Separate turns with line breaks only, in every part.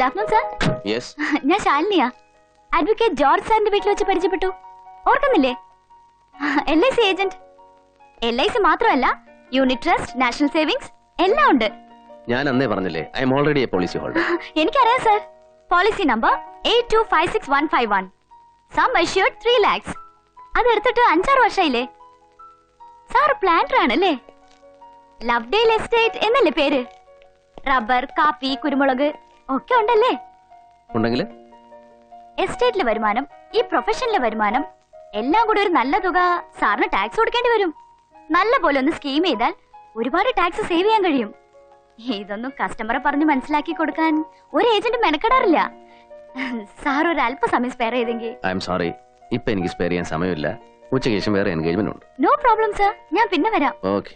Good afternoon sir.
Yes.
ഞാൻ ശാലിനിയാ. Advocate George സാറിന്റെ വീട്ടിൽ വെച്ച് പരിചയപ്പെട്ടു. ഓർക്കുന്നില്ലേ? LIC agent. LIC മാത്രമല്ല, യൂണിറ്റ് ട്രസ്റ്റ്, നാഷണൽ സേവിങ്സ് എല്ലാം ഉണ്ട്.
ഞാൻ അന്നേ പറഞ്ഞില്ലേ, I am already a policy holder.
എനിക്കറിയാം sir. Policy number 8256-151. Sum assured 3 lakhs. അത് എടുത്തിട്ട് 5-6 വർഷമായില്ലേ. സാർ പ്ലാന്റർ ആണല്ലേ? ലവ്ഡേൽ എസ്റ്റേറ്റ് എന്നല്ലേ പേര്? റബ്ബർ, കാപ്പി, കുരുമുളക് ഒക്കെ ഉണ്ടല്ലേ?
ഉണ്ടെങ്കിൽ
എസ്റ്റേറ്റിലെ വരുമാനം, ഈ പ്രൊഫഷനിലെ വരുമാനം എല്ലാം കൂടി ഒരു നല്ല തുക സാറിന് ടാക്സ് കൊടുക്കേണ്ടി വരും. നല്ല പോലെ ഒന്ന് സ്കീം ചെയ്താൽ ഒരുപാട് ടാക്സ് സേവ് ചെയ്യാൻ കഴിയും. ഇതൊന്നും കസ്റ്റമറെ പറഞ്ഞ് മനസ്സിലാക്കി കൊടുക്കാൻ ഒരു ഏജന്റ് മെനക്കെടാറില്ല. സാർ ഒരു അല്പസമയം സ്പെയർ ചെയ്തെങ്കിൽ.
ഐ എം സോറി, ഇപ്പൊ എനിക്ക് സ്പെയർ ചെയ്യാൻ സമയമില്ല. ഉച്ചയ്ക്ക് ശേഷം വേറെ എൻഗേജ്മെന്റ് ഉണ്ട്.
നോ പ്രോബ്ലം സർ, ഞാൻ പിന്നെ വരാം.
ഓക്കെ.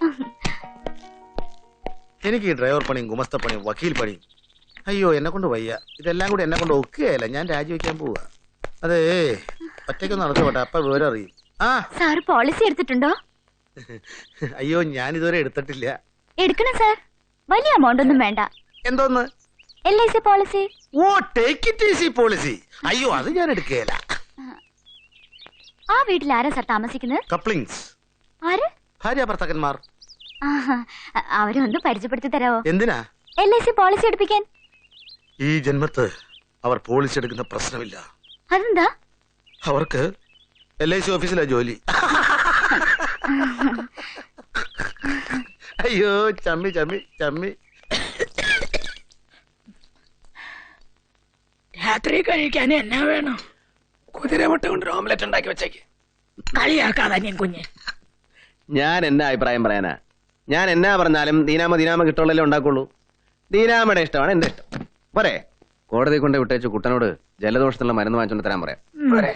എനിക്ക് ഈ ഡ്രൈവർ പണിയും ഗുമസ്ത പണിയും വക്കീൽ പണിയും അയ്യോ എന്നെ കൊണ്ട് വയ്യ. ഇതെല്ലാം കൂടി എന്നെ കൊണ്ട് ഒക്കുകയല്ല. ഞാൻ രാജിവെക്കാൻ പോവാ. അതേ ഒറ്റയ്ക്കൊന്ന് നടത്തുപോട്ടെ, അപ്പൊ വിവരം അറിയും. ആ
സാർ പോളിസി എടുത്തിട്ടുണ്ടോ?
അയ്യോ ഞാൻ ഇതുവരെ എടുത്തിട്ടില്ല.
എടുക്കണം സാർ. വലിയ എമൗണ്ട് ഒന്നും വേണ്ട.
എന്തോന്ന്?
LIC policy.
Oh take it easy policy. അയ്യോ അത് ഞാൻ എടുക്കുകയല്ല.
ആ വീട്ടിൽ ആരാ സാർ താമസിക്കുന്നത്?
കപ്ലിങ്സ്.
ആര്?
ഭാര്യ ഭർത്താക്കന്മാർ.
അവരെ ഒന്ന് പരിചയപ്പെടുത്തി തരാവോ?
എന്തിനാ?
LIC പോളിസി എടുപ്പിക്കാൻ.
ഈ ജന്മത്ത് അവർ പോളിസി എടുക്കുന്ന പ്രശ്നമില്ല.
അതെന്താ?
അവർക്ക് LIC ഓഫീസിലാ ജോലി. അയ്യോ ചമ്മി ചമ്മി ചമ്മി.
രാത്രി കഴിക്കാൻ എന്നാ വേണം?
കുതിരമുട്ട കൊണ്ട് ഓംലെറ്റ് ഉണ്ടാക്കി വെച്ചേക്ക്.
കളിയാക്കാതെ കുഞ്ഞ്.
ഞാൻ എന്നാ അഭിപ്രായം പറയാനാ? ഞാൻ എന്നാ പറഞ്ഞാലും ദീനാമ കിട്ടുള്ളല്ലേ ഉണ്ടാക്കുള്ളൂ. ദീനാമയുടെ ഇഷ്ടമാണ് എന്റെ ഇഷ്ടം. പോരെ? കോടതി കൊണ്ട് വിട്ടേച്ച് കുട്ടനോട് ജലദോഷത്തിനുള്ള മരുന്ന് വാങ്ങിച്ചോണ്ട് തരാൻ പറയാം. പോരെ?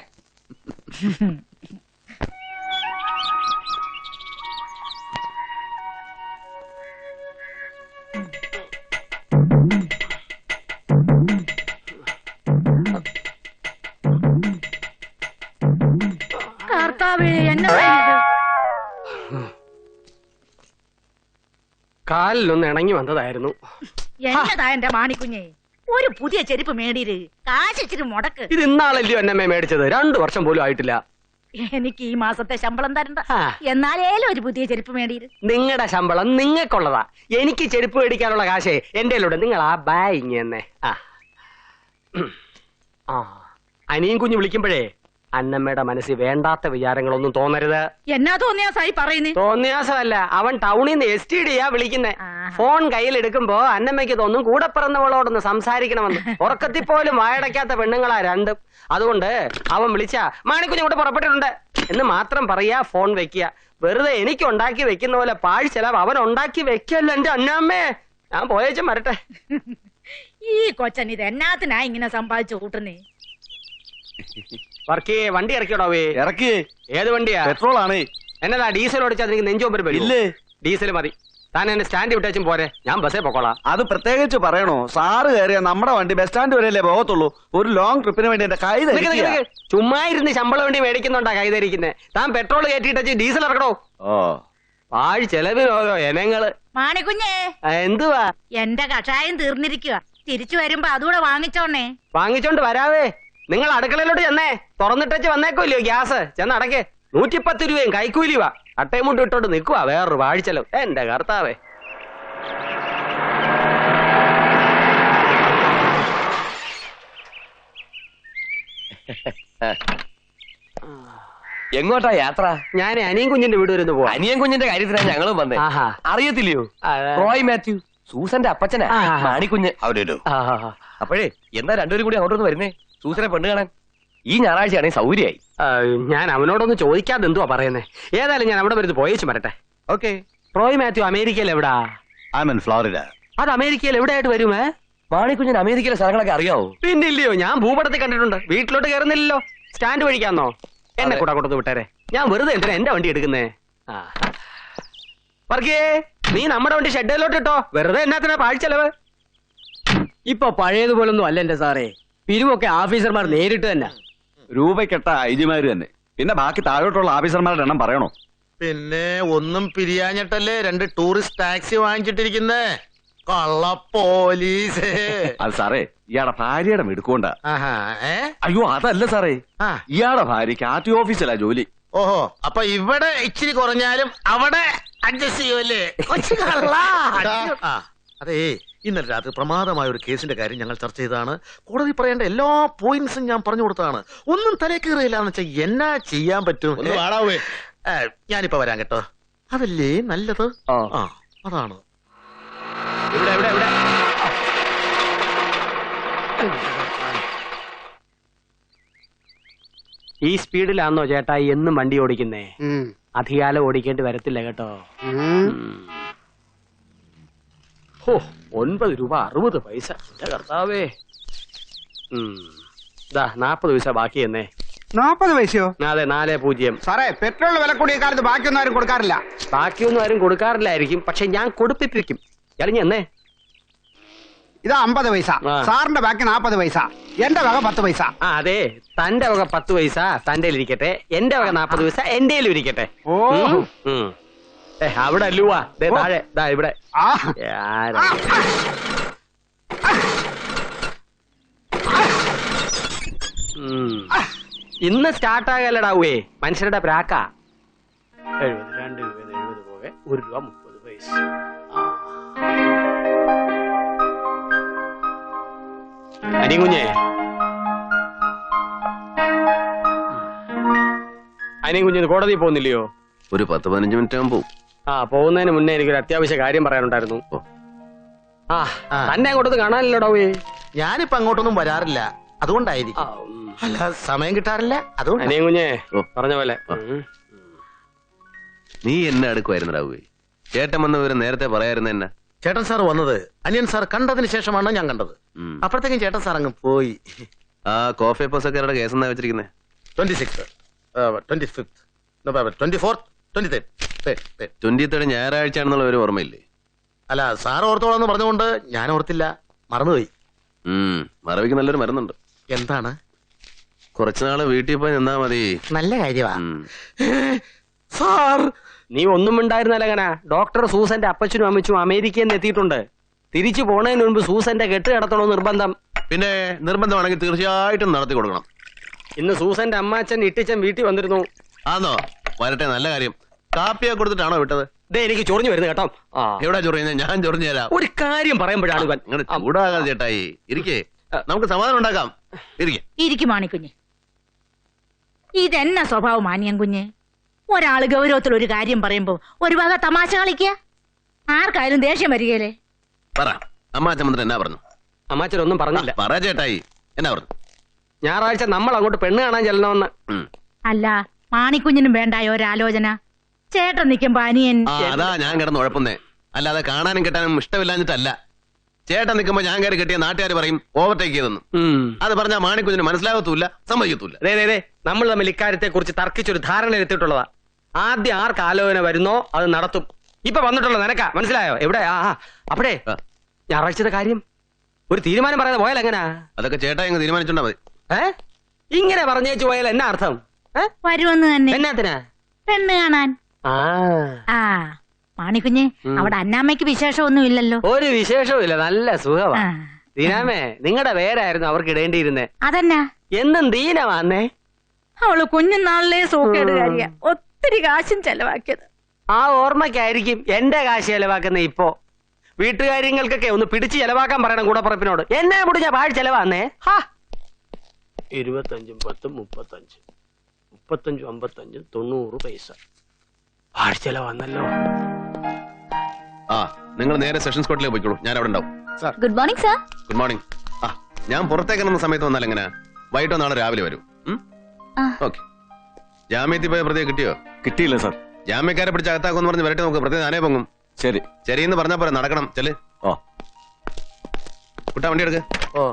കാലിലൊന്ന് ഇണങ്ങി വന്നതായിരുന്നു.
എന്നതാ എന്റെ മാണിക്കുഞ്ഞെ, ഒരു പുതിയ ചെരുപ്പ് മേടിര്, കാശിച്ചിട്ട് മുടക്ക്.
ഇത് ഇന്നാളല്ലയോ എന്നമ്മേ മേടിച്ചത്? 2 വർഷം പോലും ആയിട്ടില്ല.
എനിക്ക് ഈ മാസത്തെ ശമ്പളം തരണ്ട. എന്നാലേലും ഒരു പുതിയ ചെരുപ്പ് മേടിര്.
നിങ്ങളുടെ ശമ്പളം നിങ്ങൾക്കുള്ളതാ. എനിക്ക് ചെരുപ്പ് മേടിക്കാനുള്ള കാശേ എന്റെ നിങ്ങൾ ആ ബായിങ് തന്നെ. അനിയും കുഞ്ഞു വിളിക്കുമ്പോഴേ അന്നമ്മയുടെ മനസ്സിൽ വേണ്ടാത്ത വിചാരങ്ങളൊന്നും തോന്നരുത്.
എന്നാ തോന്നിയാസായി പറയുന്നേ?
തോന്നിയാസമല്ല, അവൻ ടൗണിൽ നിന്ന് STDയാ വിളിക്കുന്നേ. ഫോൺ കയ്യിലെടുക്കുമ്പോ അന്നമ്മയ്ക്ക് തോന്നും കൂടെ പിറന്നവളോടൊന്ന് സംസാരിക്കണമെന്ന്. ഉറക്കത്തിൽ പോലും വായടയ്ക്കാത്ത പെണ്ണുങ്ങളാ രണ്ടും. അതുകൊണ്ട് അവൻ വിളിച്ച മാണിക്കുഞ്ഞ് കൂടെ പുറപ്പെട്ടിട്ടുണ്ട് എന്ന് മാത്രം പറയാ, ഫോൺ വെക്കുക. വെറുതെ എനിക്ക് ഉണ്ടാക്കി വെക്കുന്ന പോലെ പാഴ് ചെലവ് അവൻ ഉണ്ടാക്കി വെക്കല്ല എന്റെ അന്നമ്മേ. ഞാൻ പോയേച്ചും വരട്ടെ.
ഈ കൊച്ചൻ ഇത് എന്നാത്തിനാ ഇങ്ങനെ സമ്പാദിച്ചു കൂട്ടുന്നേ?
വർക്കേ വണ്ടി ഇറക്കിയോടോ?
ഇറക്കി.
ഏത് വണ്ടിയാ?
പെട്രോൾ ആണ്.
എന്നതാ ഡീസൽ ഓടിച്ചാൽ നിനക്ക് നെഞ്ചോമ്പര് വരും?
ഇല്ലേ,
ഡീസൽ മതി. താൻ എന്നെ സ്റ്റാൻഡ് വിട്ടേച്ചും പോരെ, ഞാൻ ബസ്സേ പൊക്കോളാം.
അത് പ്രത്യേകിച്ച് പറയണോ? സാറ് കയറിയ നമ്മുടെ വണ്ടി ബസ് സ്റ്റാൻഡ് വരെയല്ലേ പോകത്തുള്ളൂ. ഒരു ലോങ് ട്രിപ്പിന് വേണ്ടി എന്റെ കൈ
ചുമ്മാ ഇരുന്ന് ശമ്പളം വേണ്ടി മേടിക്കുന്നുണ്ടാ കൈതരിക്കുന്നേ. താൻ പെട്രോൾ കയറ്റിട്ട് ഡീസൽ ഇറക്കണോ?
ഓ
പാഴ് ചെലവിന് ഓരോ ഇനങ്ങള്.
മാണിക്കുഞ്ഞേ,
എന്തുവാ?
എന്റെ കഷായം തീർന്നിരിക്കുക. തിരിച്ചു വരുമ്പോ അതുകൂടെ വാങ്ങിച്ചോണേ.
വാങ്ങിച്ചോണ്ട് വരാവേ. നിങ്ങൾ അടുക്കളയിലോട്ട് ചെന്നേ, തുറന്നിട്ടച്ച് വന്നേക്കോല്ലയോ ഗ്യാസ്. ചെന്ന് അടക്കേ. 110 രൂപയും കൈക്കൂലിവാ. അട്ടയും മുട്ടും ഇട്ടോണ്ട് നിക്കുവാ വേറൊരു വാഴിച്ചെലവ്. എന്റെ കർത്താവേ.
എങ്ങോട്ടാ യാത്ര?
ഞാൻ അനിയൻ കുഞ്ഞിന്റെ വീട് വരുന്നു പോവാ.
അനിയൻ കുഞ്ഞിന്റെ കാര്യത്തിലാണ് ഞങ്ങളും വന്നേ. അറിയത്തില്ലയോ? റോയ് മാത്യു, സൂസന്റെ അപ്പച്ചനാ മാണിക്കുഞ്ഞ്. അപ്പോഴേ എന്താ രണ്ടുപേരും കൂടി അങ്ങോട്ടൊന്ന് വരുന്നേ? സൂസനെ പെണ്ണ് കാണാൻ ഈ ഞായറാഴ്ചയാണെങ്കിൽ സൗകര്യമായി.
ഞാൻ അവനോടൊന്ന് ചോദിക്കാതെ എന്തുവാ പറയുന്നേ. ഏതായാലും ഞാൻ അവിടെ വരുന്നത് പോയേച്ചു വരട്ടെ.
ഓക്കെ.
റോയ് മാത്യു അമേരിക്കയിൽ എവിടാ?
ഫ്ലോറിഡ.
അത് അമേരിക്കയിൽ എവിടെയായിട്ട് വരുമേ?
മാണിക്കുഞ്ഞിന് അമേരിക്കയിലെ സ്ഥലങ്ങളൊക്കെ അറിയാവോ?
പിന്നില്ലയോ, ഞാൻ ഭൂപടത്തിൽ കണ്ടിട്ടുണ്ട്. വീട്ടിലോട്ട് കയറുന്നില്ലല്ലോ. സ്റ്റാൻഡ് വഴിക്കാന്നോ? എന്നെ കൂടെ കൊടുത്ത് വിട്ടേരെ. ഞാൻ വെറുതെ എന്തിനാ എന്റെ വണ്ടി എടുക്കുന്നേ? വർക്കേ, നീ നമ്മുടെ വണ്ടി ഷെഡിലോട്ട് ഇട്ടോ. വെറുതെ എന്നാത്തിനാ പാഴ്ചെലവ്?
ഇപ്പൊ പഴയതുപോലൊന്നും അല്ല എന്റെ സാറേ. പിരിവൊക്കെ ഓഫീസർമാർ നേരിട്ട് തന്നെ.
രൂപക്കെട്ട ഐജിമാര് തന്നെ. പിന്നെ ബാക്കി താഴോട്ടുള്ള ഓഫീസർമാരുടെ എണ്ണം പറയണോ?
പിന്നെ ഒന്നും പിരിയാഞ്ഞിട്ടല്ലേ 2 ടൂറിസ്റ്റ് ടാക്സി വാങ്ങിച്ചിട്ടിരിക്കുന്നേ. കള്ള പോലീസ്.
അത് സാറേ ഇയാളുടെ ഭാര്യയുടെ മിടുക്കൊണ്ട.
ആഹാ, ഏ?
അയ്യോ അതല്ല സാറേ,
ആ.
ഇയാളുടെ ഭാര്യക്ക് ആർ ടി ഓഫീസിലാ ജോലി.
ഓഹോ, അപ്പൊ ഇവിടെ ഇച്ചിരി കുറഞ്ഞാലും അവിടെ അഡ്ജസ്റ്റ് ചെയ്യുമല്ലേ? കൊച്ചു കള്ള. ആ, അതേ, ഇന്നലെ രാത്രി പ്രമാദമായ ഒരു കേസിന്റെ കാര്യം ഞങ്ങൾ ചർച്ച ചെയ്തതാണ്. കോടതി പറയേണ്ട എല്ലാ പോയിന്റ്സും ഞാൻ പറഞ്ഞു കൊടുത്തതാണ്. ഒന്നും തലേ കയറിയില്ല എന്ന് വെച്ചാൽ എന്നാ ചെയ്യാൻ പറ്റും? ഞാനിപ്പോ വരാൻ കേട്ടോ. അതല്ലേ നല്ലത്? ആ, അതാണ്.
ഈ സ്പീഡിലാണോ ചേട്ടാ എന്നും വണ്ടി ഓടിക്കുന്നേ? അധികാലം ഓടിക്കേണ്ടി വരത്തില്ല കേട്ടോ. 9 രൂപ 60 പൈസ. എന്റെ കർത്താവേ. 40 പൈസ ബാക്കി എന്നേ.
40 പൈസയോ?
അതെ, 40.
സാറേ, പെട്രോൾ വില കൂടിയ കാലത്ത് ബാക്കിയൊന്നും ആരും കൊടുക്കാറില്ല.
ബാക്കിയൊന്നും ആരും കൊടുക്കാറില്ലായിരിക്കും, പക്ഷെ ഞാൻ കൊടുപ്പിപ്പിക്കും. ഇറങ്ങി എന്നേ.
ഇതാ 50 പൈസ. സാറിന്റെ ബാക്കി 40 പൈസ. എന്റെ വക 10 പൈസ.
അതെ, തന്റെ വക 10 പൈസ തന്റെ ഇരിക്കട്ടെ, എന്റെ വക 40 പൈസ എന്റെ ഇരിക്കട്ടെ. അവിടെ അല്ലുവാ താഴെ, ഇവിടെ. ഇന്ന് സ്റ്റാർട്ടാകല്ലടാവേ മനുഷ്യരുടെ പ്രാക്ക. 2 രൂപ 70 പോകെ 1 രൂപ 30 പൈസ. അനികുഞ്ഞേ, അനികുഞ്ഞ് കോടതി പോകുന്നില്ലയോ?
ഒരു 10-15 മിനിറ്റ് ആകുമ്പോ.
പോകുന്നതിന് മുന്നേ എനിക്കൊരു അത്യാവശ്യ കാര്യം പറയാനുണ്ടായിരുന്നു. തന്നെ അങ്ങോട്ടൊന്നും കാണാനില്ലടാവേ.
ഞാനിപ്പോ അങ്ങോട്ടൊന്നും വരാറില്ല, അതുകൊണ്ടായിരിക്കും. അല്ല, സമയം കിട്ടാറില്ല, അതുകൊണ്ട്.
അനികുഞ്ഞേ പറഞ്ഞ പോലെ.
നീ എന്നെ അടുക്കുമായിരുന്നു രാവുവേ. ചേട്ടൻ വന്ന വിവരം നേരത്തെ പറയായിരുന്നു. എന്നെ
ചേട്ടൻ സാർ വന്നത് അനിയൻ സാർ കണ്ടതിന് ശേഷമാണ് ഞാൻ കണ്ടത്. അപ്പോഴത്തേക്കും ചേട്ടൻ സാർ അങ്ങ് പോയി.
ആ കോഫി പസക്കാരുടെ കേസ് എന്നാ വെച്ചിരിക്കുന്നേ?
26, 25, 24, 23.
23 ഞായറാഴ്ച ആണെന്നുള്ള ഒരു ഓർമ്മയില്ലേ?
അല്ല, സാർ ഓർത്തോളാന്ന് പറഞ്ഞുകൊണ്ട് ഞാൻ ഓർത്തില്ല, മറന്നുപോയി.
മറവിക്ക് നല്ലൊരു മരുന്നുണ്ട്.
എന്താണ്?
കുറച്ചുനാള് വീട്ടിൽ പോയി നിന്നാ മതി.
നല്ല കാര്യമാ സാർ.
നീ ഒന്നും ഉണ്ടായിരുന്നല്ലങ്ങനെ. ഡോക്ടർ സൂസന്റെ അപ്പച്ചനും അമ്മച്ചും അമേരിക്കയിൽ നിന്ന് എത്തിയിട്ടുണ്ട്. തിരിച്ചു പോണതിന് മുൻപ് സൂസന്റെ കെട്ട് കിടത്തണോ നിർബന്ധം.
പിന്നെ നിർബന്ധമാണെങ്കിൽ തീർച്ചയായിട്ടും നടത്തി കൊടുക്കണം.
ഇന്ന് സൂസന്റെ അമ്മാച്ചൻ ഇട്ടിച്ചൻ വീട്ടിൽ വന്നിരുന്നു.
ആന്നോ? വരട്ടെ, നല്ല കാര്യം. കാപ്പിയൊക്കെ കൊടുത്തിട്ടാണോ വിട്ടത്?
എനിക്ക് ചൊറിഞ്ഞു വരുന്നു കേട്ടോ.
എവിടെ ചൊറിയുന്നത്? ഞാൻ ചൊറിഞ്ഞു തരാം.
ഒരു കാര്യം പറയുമ്പോഴാണ്
ഇങ്ങനെ ചൂടാകാതെ ചേട്ടായി. ഇരിക്കേ, നമുക്ക് സമാധാനം ഉണ്ടാക്കാം.
ഇരിക്കും മാണിക്കുഞ്ഞ്. ഇതെന്നാ സ്വഭാവം മാനിയം കുഞ്ഞ്? ഒരാള് ഗൗരവത്തിൽ ഒരു കാര്യം പറയുമ്പോ ഒരു വക തമാശ കളിക്കുക. ആർക്കായാലും ദേഷ്യം വരികയല്ലേ?
പറ, അമ്മാച്ചമന്ത്രൻ എന്നാ പറഞ്ഞു?
അമ്മാച്ചനൊന്നും പറഞ്ഞില്ല.
പറ ചേട്ടായി, എന്നാ പറഞ്ഞു?
ഞായറാഴ്ച നമ്മൾ അങ്ങോട്ട് പെണ്ണ് കാണാൻ ചെല്ലണമെന്ന്.
അല്ല, മാണിക്കുഞ്ഞിനും വേണ്ടായ ഒരാലോചന. ചേട്ടൻ നിൽക്കുമ്പോ അനിയൻ.
അതാ ഞാൻ കിടന്ന് ഉഴപ്പുന്നേ. അല്ലാതെ കാണാനും കെട്ടാനും ഇഷ്ടമില്ലാഞ്ഞിട്ടല്ല. ചേട്ടൻ നിൽക്കുമ്പോ ഞാൻ കയറി കെട്ടിയ നാട്ടുകാർ പറയും ഓവർടേക്ക് ചെയ്തെന്ന്. അത് പറഞ്ഞാൽ മാണിക്കുഞ്ഞിന് മനസ്സിലാകത്തൂല്ല, സമ്മതിക്കത്തൂല്ല.
നമ്മൾ തമ്മിൽ ഇക്കാര്യത്തെ കുറിച്ച് തർക്കിച്ചൊരു ധാരണ എത്തിയിട്ടുള്ളതാ. ആദ്യം ആർക്ക് ആലോചന വരുന്നോ അത് നടത്തും. ഇപ്പൊ വന്നിട്ടുള്ള നിനക്കാ, മനസ്സിലായോ? എവിടെ? അപ്പഴേ ഞായറാഴ്ചത്തെ കാര്യം ഒരു തീരുമാനം പറയാതെ പോയാൽ എങ്ങനാ?
അതൊക്കെ ചേട്ടാ ഇങ്ങ് തീരുമാനിച്ചോണ്ടാ മതി.
ഇങ്ങനെ പറഞ്ഞേച്ചു പോയാൽ എന്നാ അർത്ഥം?
വരുമെന്ന് തന്നെ.
എന്നാത്തിനാ?
പെണ്ണ് കാണാൻ. മാണിക്കുഞ്ഞ്, അവിടെ അന്നാമ്മയ്ക്ക് വിശേഷമൊന്നും ഇല്ലല്ലോ?
ഒരു വിശേഷവും ഇല്ല, നല്ല സുഖമാ. ദീനാമേ, നിങ്ങളുടെ പേരായിരുന്നു അവർക്ക് ഇടേണ്ടിയിരുന്നേ.
അതെന്നാ?
എന്നും ദീനമാന്നേ.
അവള് കുഞ്ഞുനാളിലെ സൂക്കേടുകാരിയാ. ഒത്തിരി കാശും ചെലവാക്കിയത്.
ആ ഓർമ്മയ്ക്കായിരിക്കും എന്റെ കാശ് ചെലവാക്കുന്ന. ഇപ്പോ വീട്ടുകാര്യങ്ങൾക്കൊക്കെ ഒന്ന് പിടിച്ച് ചെലവാക്കാൻ പറയണം കൂടപ്പുറപ്പിനോട്. എന്നെ മുടിഞ്ഞ പാഴ് ചെലവാന്നേ. 25, 10, 35, 35, 55, 90 പൈസ പാഴ് ചെലവാന്നല്ലോ.
നിങ്ങൾ നേരെ സെഷൻസ് കോർട്ടിലേക്ക് പോയിക്കോളൂ, ഞാൻ അവിടെ ഉണ്ടാവും.
Good morning sir.
Good morning. ഞാൻ പുറത്തേക്ക് ഇറങ്ങുന്ന സമയത്ത് വന്നാൽ എങ്ങനെ? വൈകിട്ടോ നാളെ രാവിലെ വരും. ഓക്കെ. ജാമ്യത്തിൽ പോയ പ്രതിയെ കിട്ടിയോ?
കിട്ടിയില്ല സാർ.
ജാമ്യക്കാരെ പിടിച്ച് അകത്താക്കുമെന്ന് പറഞ്ഞ് വരട്ടെ, നമുക്ക് പ്രതി നാനേ പൊങ്ങും.
ശരി
ശരിയെന്ന് പറഞ്ഞാ പോരെ, നടക്കണം. ചെല്. കുട്ടാ, വണ്ടി എടുക്ക്.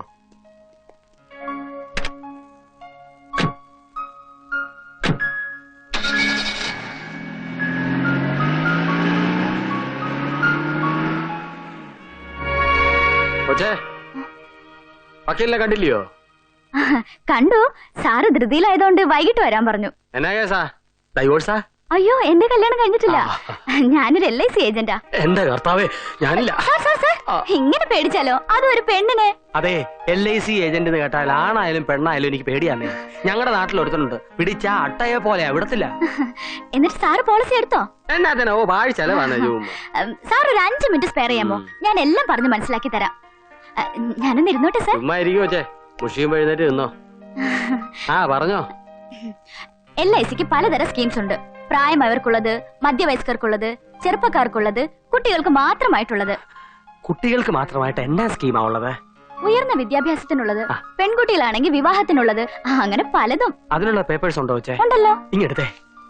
വക്കീലിനെ കണ്ടില്ലയോ?
കണ്ടു. സാറ് ധൃതിയിലായതുകൊണ്ട് വൈകിട്ട് വരാൻ പറഞ്ഞു.
എന്നാ കേസാ? ഡൈവോഴ്സാ?
അയ്യോ എന്റെ കല്യാണം കഴിഞ്ഞിട്ടില്ല. ഞാനൊരു LIC ഏജന്റാ.
എന്റെ കർത്താവേ, ഞാനില്ല.
സാർ, ഇങ്ങനെ പേടിച്ചാലോ? അതും ഒരു പെണ്ണിനെ.
അതെ, LIC ഏജന്റ് എന്ന് കേട്ടാൽ ആണായാലും പെണ്ണായാലും എനിക്ക് പേടിയാന്നേ. ഞങ്ങളുടെ നാട്ടിൽ ഒരുത്തനുണ്ട്, പിടിച്ച അട്ടയെ പോലെ വിടത്തില്ല.
എന്നിട്ട് സാറ് പോളിസി എടുത്തോ?
എന്നാ പാഴ് ചെലവാണ്.
സാർ ഒരു 5 മിനിറ്റ് സ്പെയർ ചെയ്യാമോ? ഞാൻ എല്ലാം പറഞ്ഞു മനസ്സിലാക്കി തരാം. ഞാനൊന്ന് ഇരുന്നോട്ടെ സാർ.
ചുമ്മാ ഇരിക്കും വെച്ചേ, മുഷിയും എഴുന്നേറ്റ് നിന്നോ. പറഞ്ഞോ.
LICക്ക് പലതരം സ്കീംസ് ഉണ്ട്. പ്രായമായവർക്കുള്ളത്, മധ്യവയസ്കർക്കുള്ളത്, ചെറുപ്പക്കാർക്കുള്ളത്, കുട്ടികൾക്ക് മാത്രമായിട്ടുള്ളത്.
കുട്ടികൾക്ക് മാത്രമായിട്ട് എന്നാ സ്കീമാ ഉള്ളത്?
ഉയർന്ന വിദ്യാഭ്യാസത്തിനുള്ളത്, പെൺകുട്ടികളാണെങ്കിൽ വിവാഹത്തിനുള്ളത്, അങ്ങനെ പലതും.
അതിനുള്ള പേപ്പേഴ്സ് ഉണ്ടോ വെച്ചേ?
ഉണ്ടല്ലോ.
ഇങ്ങെടുത്തേ.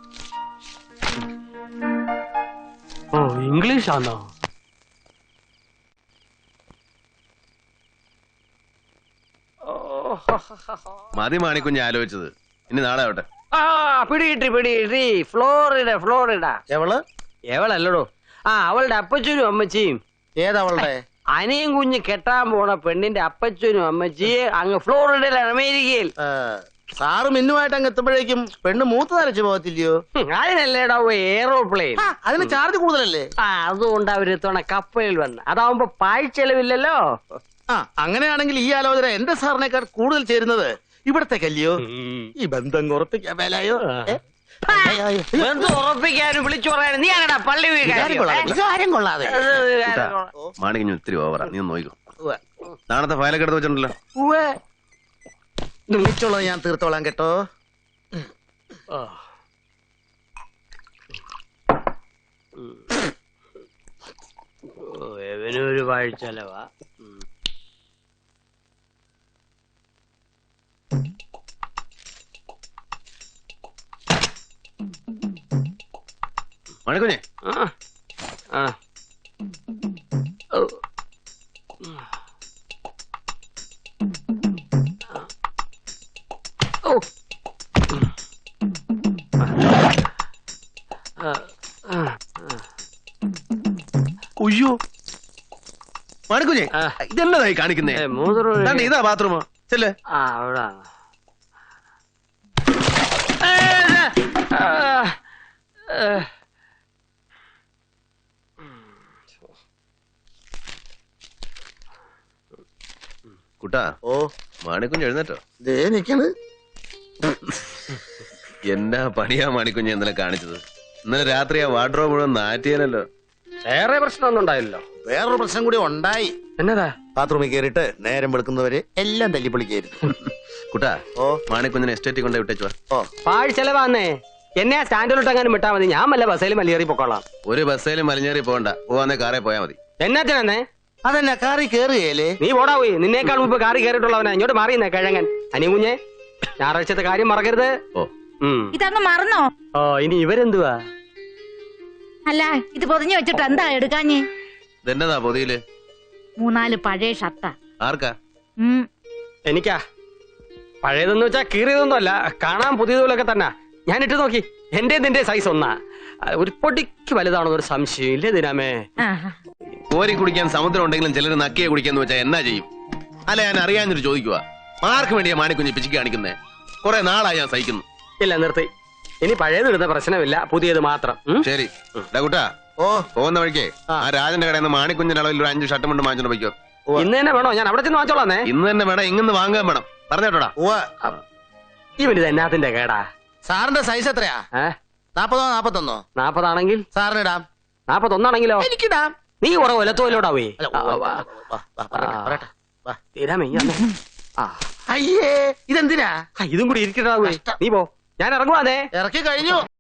ഓ, ഇംഗ്ലീഷ് ആണോ?
മതി മാണിക്കുഞ്ഞ് ആലോചിച്ചത്. ഇനി നാളെ ആവട്ടെ.
പിടികിട്ടി. ഫ്ലോറിഡ. എവളല്ലടോ, അവളുടെ അപ്പച്ചനും അമ്മച്ചിയും.
ഏതവളുടെ?
അനിയും കുഞ്ഞ് കെട്ടാൻ പോണ പെണ്ണിന്റെ അപ്പച്ചനും അമ്മച്ചിയെ അങ്ങ് ഫ്ലോറിഡയിലാണ്, അമേരിക്കയിൽ.
സാറ് മിന്നുമായിട്ട് അങ്ങ് എത്തുമ്പോഴേക്കും പെണ്ണ് മൂത്ത് നരച്ചു പോകത്തില്ലയോ?
അതിനല്ലേടാ എയറോപ്ലെയിൻ.
അതിന് ചാർജ് കൂടുതലല്ലേ?
അതുകൊണ്ട് അവരെത്തവണ കപ്പലിൽ വന്ന്. അതാവുമ്പോ പാഴ്ചെലവില്ലല്ലോ.
അങ്ങനെയാണെങ്കിൽ ഈ ആലോചന എന്റെ സാറിനേക്കാൾ കൂടുതൽ ചേരുന്നത് ഇവിടത്തേക്കല്ലയോ? ഈ ബന്ധം ഉറപ്പിക്കാൻ മേലായോ?
ഉറപ്പിക്കാനും വിളിച്ചു പറയാനും നീ ആണടാ പള്ളി
കാര്യം കൊള്ളാതെ.
മാണിക്കുഞ്ഞ് ഒത്തിരി ഓവറാ, നീ ഒന്ന് നോക്കൂ. നാളത്തെ ഫയലൊക്കെ എടുത്ത് വെച്ചിട്ടുണ്ടല്ലോ.
നിമിച്ചുള്ളത് ഞാൻ തീർത്തോളാം കേട്ടോ.
എവനൊരു പാഴ്ചെലവാ.
മാണിക്കുഞ്ഞെ,
ഉയ്യോ
മാണിക്കുഞ്ഞെ, ഇതെന്നതായി കാണിക്കുന്നേ? ഇതാ ബാത്റൂമോ? ചെല്ലേ.
അവിടെ
കുട്ടാ. മാണിക്കുഞ്ഞ് എഴുന്നേറ്റോ?
ദേ നിക്കണ്.
എന്നാ പണിയാ മാണിക്കുഞ്ഞ് ഇന്നലെ കാണിച്ചത്? ഇന്നലെ രാത്രി ആ വാർഡ്രോബ് മുഴുവൻ നാറ്റിയാലല്ലോ.
വേറെ പ്രശ്നമൊന്നും ഉണ്ടായില്ലല്ലോ.
വേറൊരു പ്രശ്നം കൂടി ഉണ്ടായി.
എന്നതാ?
ബാത്റൂമിൽ കയറിയിട്ട് നേരം വെളുക്കുന്നവരെ എല്ലാം തല്ലിപ്പൊളിക്കായിരുന്നു.
കുട്ടാ, മാണിക്കുഞ്ഞിനെ എസ്റ്റേറ്റിൽ കൊണ്ടേ വിട്ടേച്ചുവാ.
പാഴ് ചെലവാന്നേ. എന്നെ ആ സ്റ്റാൻഡിലോട്ടെങ്ങാനും വിട്ടാ മതി. ഞാൻ വല്ല ബസ്സേലും മലിയേറി പൊക്കോളാം.
ഒരു ബസ്സേലും മലിഞ്ഞേറി പോകണ്ട, പോവാന്നേ കാറേ പോയാ മതി.
എന്നാത്തിനെ?
അതെന്നാ കാറി കേറുകയല്ലേ?
നീ പോടാ പോയി. നിന്നേക്കാൾ മുമ്പ് കാറി കയറിയിട്ടുള്ളവനാ. ഇങ്ങോട്ട് മാറിയുന്നേ കിഴങ്ങൻ. അനികുഞ്ഞെ, ഞായറാഴ്ചത്തെ കാര്യം മറക്കരുത്.
ഇതങ്ങ് മറന്നോ?
ഇനി ഇവരെന്തുവാ?
അല്ല, ഇത് പൊതിഞ്ഞു വെച്ചിട്ട് എന്താ എടുക്കാഞ്ഞ്?
ഇതെന്നതാ പൊതിയില്?
3-4 പഴയ ഷർട്ടാ.
ആർക്കാ?
എനിക്കാ. പഴയതെന്ന് വെച്ചാ കീറിയതൊന്നും അല്ല, കാണാൻ പുതിയതുപോലൊക്കെ തന്നെ. ഞാൻ ഇട്ട് നോക്കി, എന്റെ നിന്റെ സൈസ് ഒന്നാ. ഒരു പൊടിക്ക് വലുതാണോ ഒരു സംശയം ഇല്ലേ ദിനാമേ?
കോരി കുടിക്കാൻ സമുദ്രം ഉണ്ടെങ്കിലും ചിലർ നക്കിയെ കുടിക്കാന്ന് വെച്ചാൽ എന്നാ ചെയ്യും? അല്ല, ഞാൻ അറിയാഞ്ഞിട്ട് ചോദിക്കുക. ആർക്ക് വേണ്ടിയാ മാണിക്കുഞ്ഞ് പിച്ചിക്ക് കാണിക്കുന്നേ? കുറെ നാളായി ഞാൻ സഹിക്കുന്നു.
ഇല്ല, നിർത്തി. ഇനി പഴയത് ഇടുന്ന പ്രശ്നമില്ല, പുതിയത് മാത്രം.
ശരി കുട്ടാ, പോകുന്ന വഴിക്കേ ആ രാജന്റെ കടയിൽ നിന്ന് മാണിക്കുഞ്ഞിന്റെ അളവിൽ ഒരു 5 ഷർട്ട് കൊണ്ട് വാങ്ങിച്ചോണ്ട് പോയിക്കോ.
ഇന്ന് തന്നെ വേണോ? ഞാൻ അവിടെ ചെന്ന് വാങ്ങിച്ചോളാന്നേ.
ഇന്ന് തന്നെ വേണം, ഇങ്ങനെ വാങ്ങാൻ വേണം. പറഞ്ഞോട്ടാ.
ഇവനിത് എന്നാത്തിന്റെ കേടാ?
സാറിന്റെ സൈസ് എത്രയാ? 40 41?
40 ആണെങ്കിൽ
സാറിന് ഇടാം.
41 ആണെങ്കിലോ?
എനിക്കിടാം.
നീ കുറെ ഒലത്തോലോടാവേ.
അയ്യേ, ഇതെന്തിനാ?
ഇതും കൂടി ഇരിക്കട്ടാവേ. നീ പോ, ഞാൻ ഇറങ്ങുവാന്നേ.
ഇറക്കി കഴിഞ്ഞു.